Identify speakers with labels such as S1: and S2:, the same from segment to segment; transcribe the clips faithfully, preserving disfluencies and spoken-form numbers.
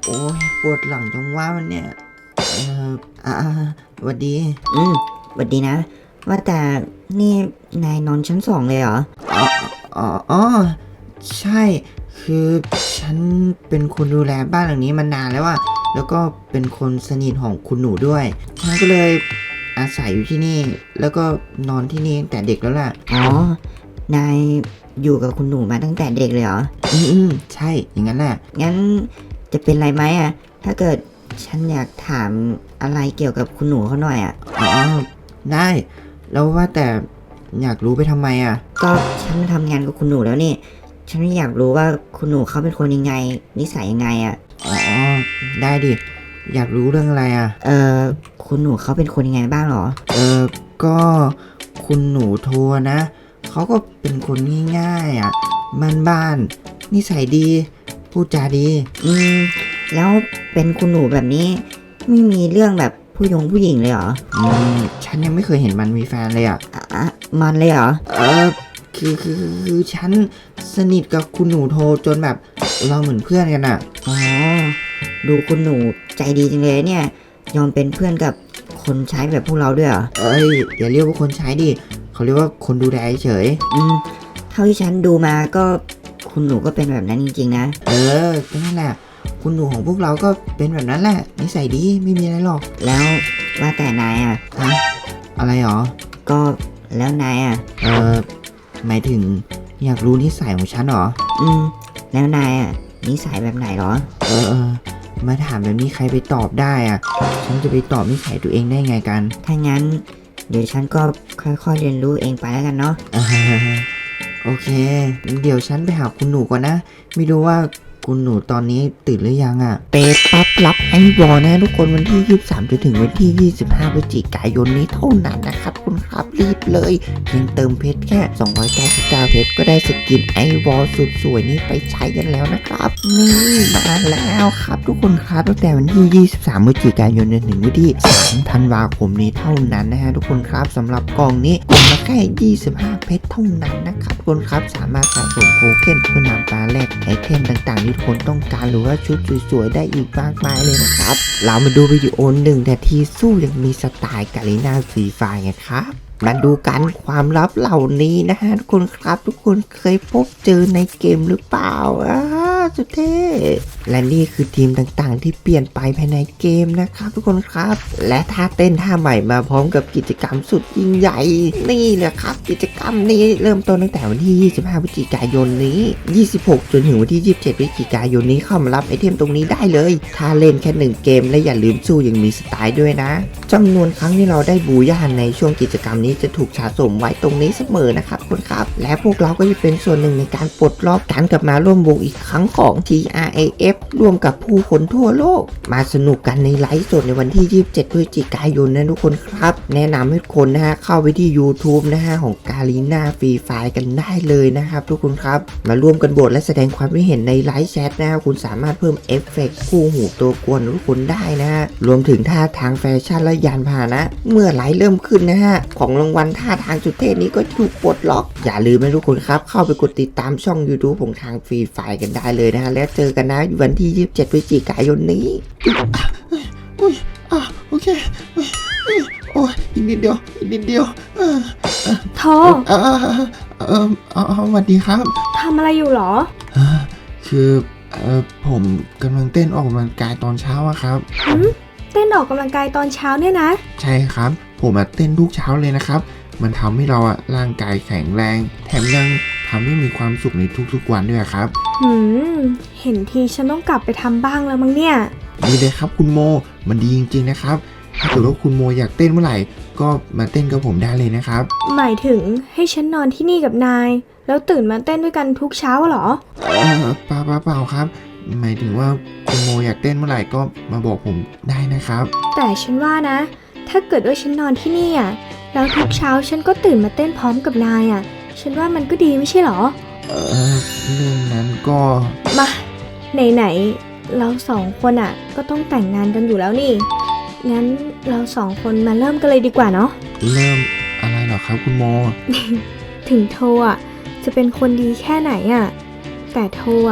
S1: โอ้ยปวดหลังจังว่ามันเนี่ยเอออ่าสวัสดี
S2: อืมสวัสดีนะว่าแต่นี่นายนอนชั้นสองเลยเหรอ
S1: อ๋ออ๋ออ๋อใช่คือฉันเป็นคนดูแลบ้านหลังนี้มานานแล้วอะแล้วก็เป็นคนสนิทของคุณหนูด้วยฉันก็เลยอาศัยอยู่ที่นี่แล้วก็นอนที่นี่ตั้งแต่เด็กแล้วล่ะ
S2: อ๋อนายอยู่กับคุณหนูมาตั้งแต่เด็กเลยเหรอ
S1: อืมอืมใช่อย่างนั้นแหละ
S2: งั้นจะเป็นไรไหมอ่ะถ้าเกิดฉันอยากถามอะไรเกี่ยวกับคุณหนูเขาหน่อยอ่ะ
S1: อ๋อได้แล้วว่าแต่อยากรู้ไปทำไมอะ
S2: ก็ฉันมาทำงานกับคุณหนูแล้วนี่ฉันอยากรู้ว่าคุณหนูเขาเป็นคนยังไงนิสัยยังไงอ่ะ
S1: อ๋อได้ดิอยากรู้เรื่องอะไรอะ
S2: เออคุณหนูเขาเป็นคนยังไงบ้างเหรอ
S1: เออก็คุณหนูโทรนะเขาก็เป็นคนง่ายๆอ่ะบ้านๆนิสัยดีพูดจาดี
S2: อืมแล้วเป็นคุณหนูแบบนี้ไม่มีเรื่องแบบผู้ยงผู้หญิงเลยเหรอ
S1: อืมฉันยังไม่เคยเห็นมันมีแฟนเลยอ่ะ
S2: อ่ะอ่ะมันเลยเหรอ
S1: เออคือคือคือฉันสนิทกับคุณหนูโทรจนแบบเราเหมือนเพื่อนกันอ่ะ
S2: อ๋อดูคุณหนูใจดีจังเลยเนี่ยยอมเป็นเพื่อนกับคนใช้แบบพวกเราด้วยเหรอ
S1: เอ้ยอย่าเรียกว่าคนใช้ดิเขาเรียกว่าคนดูแลเฉย
S2: อืมเท่าที่ฉันดูมาก็คุณหนูก็เป็นแบบนั้นจริงๆนะ
S1: เออก็นั่นแหละคุณหนูของพวกเราก็เป็นแบบนั้นแหละนิสัยดีไม่มีอะไรหรอก
S2: แล้วว่าแต่นายอ่ะ
S1: ฮะอะไรหรอ
S2: ก็แล้วนายอ่ะ
S1: เออหมายถึงอยากรู้นิสัยของฉันเหรอ
S2: อืมแล้วนายอ่ะนิสัยแบบไหนเหรอ
S1: เออเออมาถามแบบนี้ใครไปตอบได้อ่ะฉันจะไปตอบนิสัยตัวเองได้ไงกัน
S2: ถ้างั้นเดี๋ยวฉันก็ค่อยๆเรียนรู้เองไปแล้วกันเนาะ
S1: อ่าโอเคเดี๋ยวฉันไปหาคุณหนูก่อนนะไม่รู้ว่าคุณหนูตอนนี้ตื่นหรือยังอ่ะเปปั๊บรับไอ้วอนะทุกคนวันที่ยี่สิบสามจนถึงวันที่ยี่สิบห้าพฤศจิกายนนี้เท่านั้นนะครับคุณครับรีบเลยเพียงเติมเพชรแค่สองร้อยเก้าสิบเก้าเพชรก็ได้สกินไอวอลสุดสวยนี้ไปใช้กันแล้วนะครับนี่มาแล้วครับทุกคนครับตั้งแต่วันที่ยี่สิบสามพฤศจิกายนจนถึงวันที่สามธันวาคมนี้เท่านั้นนะฮะทุกคนครับสำหรับกล่องนี้กล่องละแค่ยี่สิบห้าเพชรเท่านั้นนะครับทุกคนครับสามารถสะสมโทเค็นเพื่อนำมาแลกไอเทมต่างๆที่ทุกคนต้องการหรือว่าชุดสวยๆได้อีกมากมายเลยนะครับเรามาดูวิดีโอหนึ่งนาทีสู้ยังมีสไตล์กาลิน่าฟรีไฟร์ไงครับมาดูกันความลับเหล่านี้นะฮะทุกคนครับทุกคนเคยพบเจอในเกมหรือเปล่าอ่าสุดเท่และนี่คือทีมต่างๆที่เปลี่ยนไปภายในเกมนะครับทุกคนครับและท่าเต้นท่าใหม่มาพร้อมกับกิจกรรมสุดยิ่งใหญ่นี่แหละครับกิจกรรมนี้เริ่มต้นตั้งแต่วันที่ยี่สิบห้าพฤศจิกายนนี้ยี่สิบหกจนถึงวันที่ยี่สิบเจ็ดพฤศจิกายนนี้เข้ามารับไอเทมตรงนี้ได้เลยถ้าเล่นแค่หนึ่งเกมและอย่าลืมสู้ยังมีสไตล์ด้วยนะจำนวนครั้งที่เราได้บูย่าในช่วงกิจกรรมนี้จะถูกสะสมไว้ตรงนี้เสมอนะครับคุณครับและพวกเราก็จะเป็นส่วนหนึ่งในการปลดล็อกการกลับมาร่วมวงอีกครั้งของ ที อาร์ เอ เอฟ ร่วมกับผู้คนทั่วโลกมาสนุกกันในไลฟ์สดในวันที่ยี่สิบเจ็ดพฤศจิกายนนะทุกคนครับแนะนำให้ทุกคนนะฮะเข้าไปที่ YouTube นะฮะของกาลีน่าฟรีไฟร์กันได้เลยนะครับทุกคนครับมาร่วมกันโหวตและแสดงความคิดเห็นในไลฟ์แชทนะคุณสามารถเพิ่มเอฟเฟกต์คู่หูตัวกวนทุกคนได้นะฮะรวมถึงท่าทางแฟชั่นและยานพาหนะเมื่อไลฟ์เริ่มขึ้นนะฮะของรางวัลท่าทางสุดเท่นี้ก็ถูกปลดล็อกอย่าลืมนะทุกคนครับเข้าไปกดติดตามช่อง YouTube ของทางฟรีไฟร์กันได้เลยนะฮะแล้วเจอกันนะวันที่ยี่สิบเจ็ดพฤศจิกายนนี้อุ้ยอ่ะโอเคโอ้ยอีกนิดเดียวอีกนิดเดียว
S3: โท
S1: เออเออเออสวัสดีครับ
S3: ทำอะไรอยู่หรอ
S1: คือเออผมกำลังเต้นออกกำลังกายตอนเช้าอะครับ
S3: เต้นออกกำลังกายตอนเช้าเนี่ยนะ
S1: ใช่ครับผมอะเต้นทุกเช้าเลยนะครับมันทำให้เราอะร่างกายแข็งแรงแถมยังทำให้มีความสุขในทุกๆวันด้วยครับ
S3: หืมเห็นทีฉันต้องกลับไปทำบ้างแล้วมั้งเนี่ย
S1: ดีเลยครับคุณโมมันดีจริงๆนะครับถ้าเกิดว่าคุณโมอยากเต้นเมื่อไหร่ก็มาเต้นกับผมได้เลยนะครับ
S3: หมายถึงให้ฉันนอนที่นี่กับนายแล้วตื่นมาเต้นด้วยกันทุกเช้าเหรอ
S1: เออเปล่าเปล่าเปล่าครับหมายถึงว่าคุณโมอยากเต้นเมื่อไหร่ก็มาบอกผมได้นะครับ
S3: แต่ฉันว่านะถ้าเกิดว่าฉันนอนที่นี่อ่ะแล้วทุกเช้าฉันก็ตื่นมาเต้นพร้อมกับนายอ่ะฉันว่ามันก็ดีไม่ใช่เหรอ
S1: เออเรื่องนั้นก็
S3: มาไหนๆเราสองคนอ่ะก็ต้องแต่งงานกันอยู่แล้วนี่งั้นเราสองคนมาเริ่มกันเลยดีกว่าเนาะ
S1: เริ่มอะไรเหรอครับคุณโม
S3: ถึงโทอ่ะจะเป็นคนดีแค่ไหนอ่ะแต่โทอ่ะ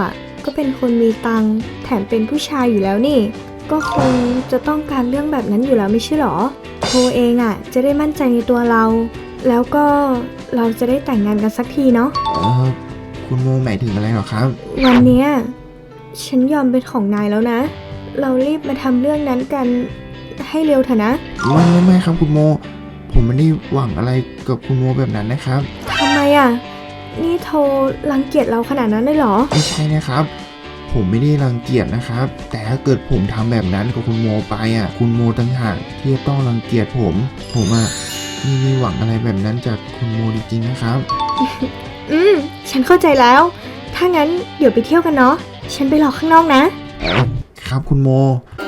S3: ก็เป็นคนมีตังค์แถมเป็นผู้ชายอยู่แล้วนี่ ก็คงจะต้องการเรื่องแบบนั้นอยู่แล้วไม่ใช่หรอโทเองอ่ะจะได้มั่นใจในตัวเรา แล้วก็เราจะได้แต่งงานกันสักทีเนาะ
S4: เออคุณโมหมายถึงอะไรหรอครับ
S3: วันเนี้ยฉันยอมเป็นของนายแล้วนะ เรารีบมาทำเรื่องนั้นกันให้เร็วเถอะนะ
S4: ไม่ไม่ไม่ครับคุณโม ผมไม่ได้หวังอะไรกับคุณโมแบบนั้นนะครับ
S3: ทำไมอ่ะ นี่โทรังเกียจเราขนาดนั้นเลยเหรอ
S4: ไม่ใช่นะครับ ผมไม่ได้รังเกียจนะครับ แต่ถ้าเกิดผมทำแบบนั้นกับคุณโมไปอ่ะ คุณโมต่างหากที่จะต้องรังเกียจผม ผมอ่ะไม่มีหวังอะไรแบบนั้นจากคุณโมจริงๆนะครับ
S3: อืม ฉันเข้าใจแล้ว ถ้างั้นเดี๋ยวไปเที่ยวกันเนาะ ฉันไปรอข้างนอกนะ
S4: เอ่อครับคุณโม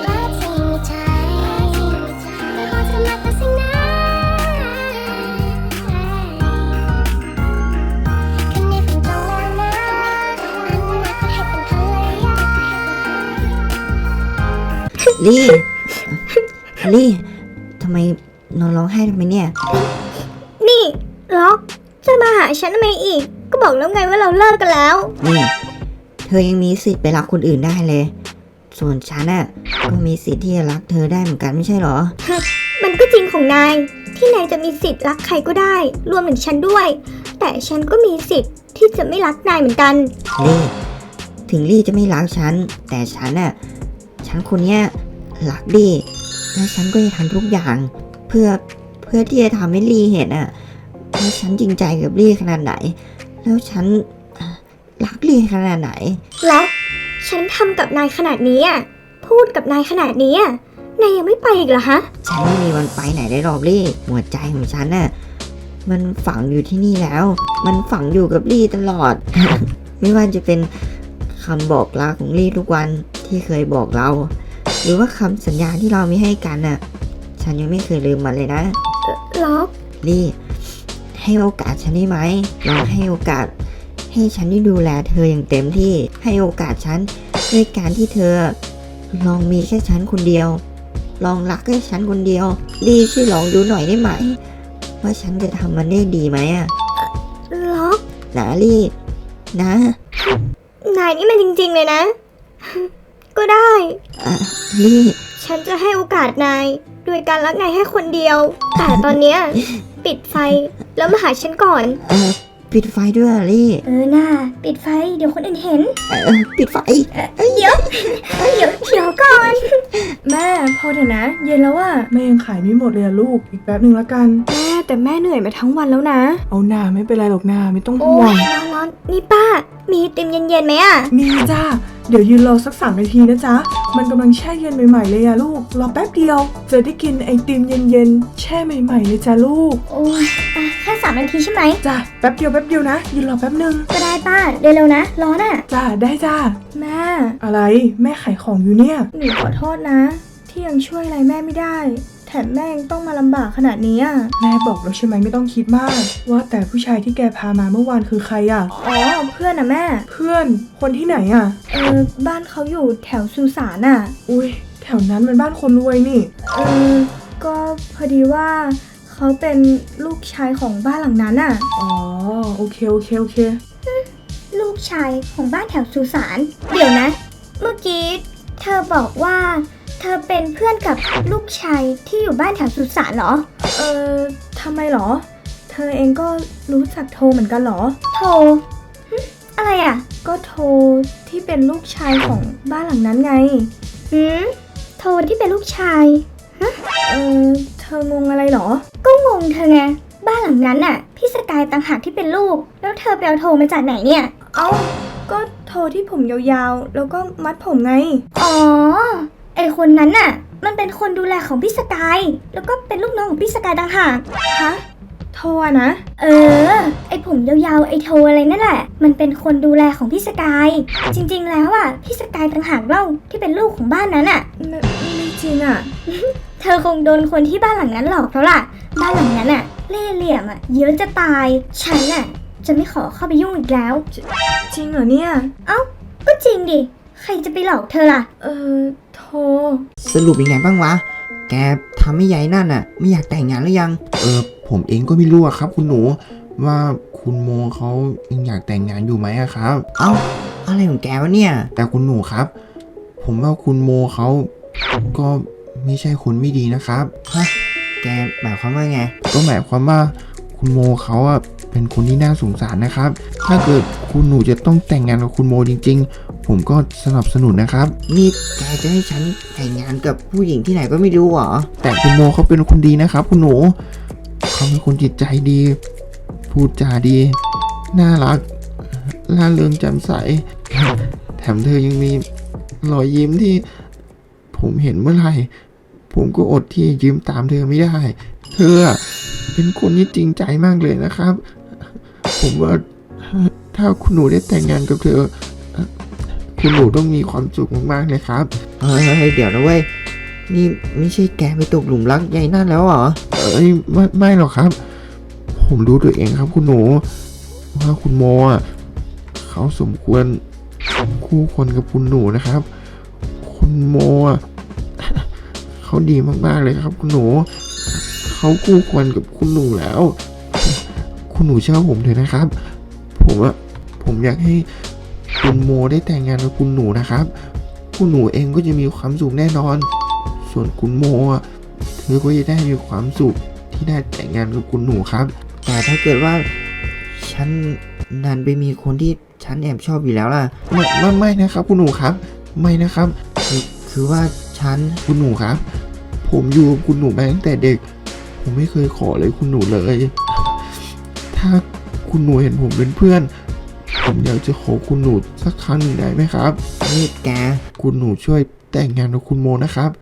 S2: ลี่ลี่ทำไมนอนร้องไห้ทำไมเนี่ย
S3: นี่ล็อกจะมาหาฉันทำไมอีก ก็บอกแล้วไงว่าเราเลิกกันแล้ว
S2: นี่เธอยังมีสิทธิ์ไปรักคนอื่นได้เลย ส่วนฉันน่ะก็มีสิทธิ์ที่จะรักเธอได้เหมือนกันไม่ใช่เหรอ
S3: มันก็จริงของนาย ที่นายจะมีสิทธิ์รักใครก็ได้ รวมถึงฉันด้วย แต่ฉันก็มีสิทธิ์ที่จะไม่รักนายเหมือนกัน
S2: ลี่ถึงลี่จะไม่รักฉัน แต่ฉันน่ะฉันคนเนี้ยรักลี่และฉันก็จะทำทุกอย่าง เพื่อเพื่อที่จะทำให้ลี่เห็นอ่ะว่าฉันจริงใจกับลี่ขนาดไหน แล้วฉันอ่ะรักลี่ขนาดไหน
S3: แล้วฉันทำกับนายขนาดนี้อ่ะ พูดกับนายขนาดนี้อ่ะ นายยังไม่ไปอีกเหรอฮะ
S2: ฉันไม่มีวันไปไหนได้หรอกลี่หัวใจของฉันน่ะมันฝังอยู่ที่นี่แล้ว มันฝังอยู่กับลี่ตลอด ไม่ว่าจะเป็นคำบอกลาของลี่ทุกวันที่เคยบอกเรา หรือว่าคำสัญญาที่เรามีให้กันน่ะ ฉันยังไม่เคยลืมมันเลยนะ
S3: ล็อก
S2: ลี่ให้โอกาสฉันได้ไหมลองให้โอกาส ให้ฉันได้ดูแลเธออย่างเต็มที่ ให้โอกาสฉันด้วยการที่เธอ ลองมีแค่ฉันคนเดียว ลองรักแค่ฉันคนเดียวลี่ช่วยลองดูหน่อยได้ไหม ว่าฉันจะทำมันได้ดีไหมอะ
S3: ล็อก
S2: นะลี่นะ
S3: นายนี่มันจริงๆเลยนะ ก็ได้
S2: อ่ะลี่
S3: ฉันจะให้โอกาสนายโดยการรักนายแค่คนเดียว แต่ตอนเนี้ย ปิดไฟแล้วมาหาฉันก่อน
S2: เออปิดไฟด้วยอะลี่
S3: เออน่าปิดไฟเดี๋ยวคนอื่นเห็น
S2: เออปิดไฟ
S3: เดี๋ยว เดี๋ยวเดี๋ยวก่อน แม่พอเถอะนะ เย็นแล้วอะ
S5: แม่ยังขายไม่หมดเลยอะลูก อีกแป๊บหนึ่งละกัน
S3: แม่แต่แม่เหนื่อยมาทั้งวันแล้วนะ
S5: เอาหน้าไม่เป็นไรหรอกหน้าไม่ต้อง
S3: โอ้
S5: ห่วง
S3: ยร้อนร้อนนี่ป้า มีไอติมเย็นๆไหมอะ
S5: มีจ้า เดี๋ยวยืนรอสักสามนาทีนะจ๊ะ มันกำลังแช่เย็นใหม่ๆเลยอะลูก รอแป๊บเดียว จะได้กินไอติมเย็นๆ แช่ใหม่ๆเลยจ้าลูก
S3: โอ้ยอ่ะแค่สามนาทีใช่ไหม
S5: จ้าแป๊บเดียวแป๊บเดียวนะ ยืนรอแป๊บหนึ่ง
S3: ก็ได้ป้าเร็วๆนะ ร้อนอะ
S5: จ้าได้จ้า
S3: แม่
S5: อะไรแม่ขายของอยู่เนี่ย
S3: หนูขอโทษนะ ที่ยังช่วยอะไรแม่ไม่ได้ แถมแม่ยังต้องมาลำบากขนาดนี้อะ
S5: แม่บอกแล้วใช่ไหมไม่ต้องคิดมาก ว่าแต่ผู้ชายที่แกพามาเมื่อวานคือใครอะ
S3: อ๋อเพื่อนอะแม่
S5: เพื่อนคนที่ไหนอะ
S3: เออบ้านเขาอยู่แถวสุสานอะ
S5: อุ้ยแถวนั้นมันบ้านคนรวยนี่
S3: เออก็พอดีว่าเขาเป็นลูกชายของบ้านหลังนั้นอะ
S5: อ๋อโอเคโอเคโอเค
S3: ลูกชายของบ้านแถวสุสานเดี๋ยวนะ เมื่อกี้เธอบอกว่า เธอเป็นเพื่อนกับลูกชายที่อยู่บ้านแถวสุสานเหรอ เออทำไมเหรอ เธอเองก็รู้จักโทเหมือนกันเหรอ โทหึอะไรอ่ะ ก็โทที่เป็นลูกชายของบ้านหลังนั้นไงหืมโทที่เป็นลูกชายฮะเออเธองงอะไรเหรอ ก็งงเธอไง บ้านหลังนั้นน่ะ พี่สกายต่างหากที่เป็นลูก แล้วเธอไปเอาโทมาจากไหนเนี่ย เอ้า ก็โทที่ผมยาวๆ แล้วก็มัดผมไง อ๋อ ไอคนนั้นน่ะ มันเป็นคนดูแลของพี่สกาย แล้วก็เป็นลูกน้องของพี่สกายต่างหาก ฮะ โทอะนะ เออ ไอผมยาวๆ ไอโทอะไรนั่นแหละ มันเป็นคนดูแลของพี่สกาย จริงๆ แล้วอ่ะ พี่สกายต่างหากเล่าที่เป็นลูกของบ้านนั้นอ่ะ ไม่ไม่จริงอ่ะ เธอคงโดนคนที่บ้านหลังนั้นหลอกแล้วล่ะ บ้านหลังนั้นอ่ะ เล่ห์เหลี่ยมอ่ะ เยอะจะตาย ฉันอ่ะ จะไม่ขอเข้าไปยุ่งอีกแล้ว จริงเหรอเนี่ย เอ้า ก็จริงดิ ใครจะไปหลอกเธอล่ะ เออ โท
S1: สรุปยังไงบ้างวะ แกทำให้ยายนั่นอ่ะ ไม่อยากแต่งงานหรือยัง
S4: เออผมเองก็ไม่รู้อะครับ คุณหนูว่าคุณโมเขายังอยากแต่งงานอยู่ไหมอะครับ
S1: เอ้าอะไรของแกวะเนี่ย
S4: แต่คุณหนูครับ ผมว่าคุณโมเขาก็ไม่ใช่คนไม่ดีนะครับ
S1: ฮะ แกหมายความว่าไง
S4: ก็หมายความว่าคุณโมเขาอะเป็นคนที่น่าสงสารนะครับ ถ้าเกิดคุณหนูจะต้องแต่งงานกับคุณโมจริงๆ ผมก็สนับสนุนนะครับ
S1: นี่แกจะให้ฉันแต่งงานกับผู้หญิงที่ไหนก็ไม่รู้เหรอ
S4: แต่คุณโมเขาเป็นคนดีนะครับ คุณหนูเขาเป็นคนจิตใจดี พูดจาดี น่ารักล่าเริงแจ่มใส แถมเธอยังมีรอยยิ้มที่ผมเห็นเมื่อไหร่ ผมก็อดที่จะยิ้มตามเธอไม่ได้ เธออะเป็นคนที่จริงใจมากเลยนะครับ ผมว่าถ้าคุณหนูได้แต่งงานกับเธอ คุณหนูต้องมีความสุขมากๆเลยครับ
S1: เฮ้ยเดี๋ยวนะเว้ย นี่ไม่ใช่แกไปตกหลุมรักยายนั่นแล้วเหรอ
S4: เอ้ยไม่ไม่หรอกครับ ผมรู้ตัวเองครับคุณหนูว่าคุณโมอ่ะเขาสมควรคู่ควรกับคุณหนูนะครับ คุณโมอ่ะเขาดีมากๆเลยครับ คุณหนูเขาคู่ควรกับคุณหนูแล้ว คุณหนูเชื่อผมเถอะนะครับ ผมอ่ะผมอยากให้คุณโมได้แต่งงานกับคุณหนูนะครับ คุณหนูเองก็จะมีความสุขแน่นอน ส่วนคุณโมอ่ะเธอก็จะได้มีความสุขที่ได้แต่งงานกับคุณหนูครับ
S1: แต่ถ้าเกิดว่า ฉันนันไปมีคนที่ฉันแอบชอบอยู่แล้วล่ะ
S4: ไม่ไม่ไม่นะครับ คุณหนูครับ ไม่นะครับ
S1: คือคือว่าฉัน
S4: คุณหนูครับ ผมอยู่กับคุณหนูมาตั้งแต่เด็ก ผมไม่เคยขอเลยคุณหนูเลย ถ้าคุณหนูเห็นผมเป็นเพื่อน ผมอยากจะขอคุณหนูสักครั้งหนึ่งได้ไหมครับ
S1: นี่แก
S4: คุณหนูช่วยแต่งงานกับคุณโมนะครับ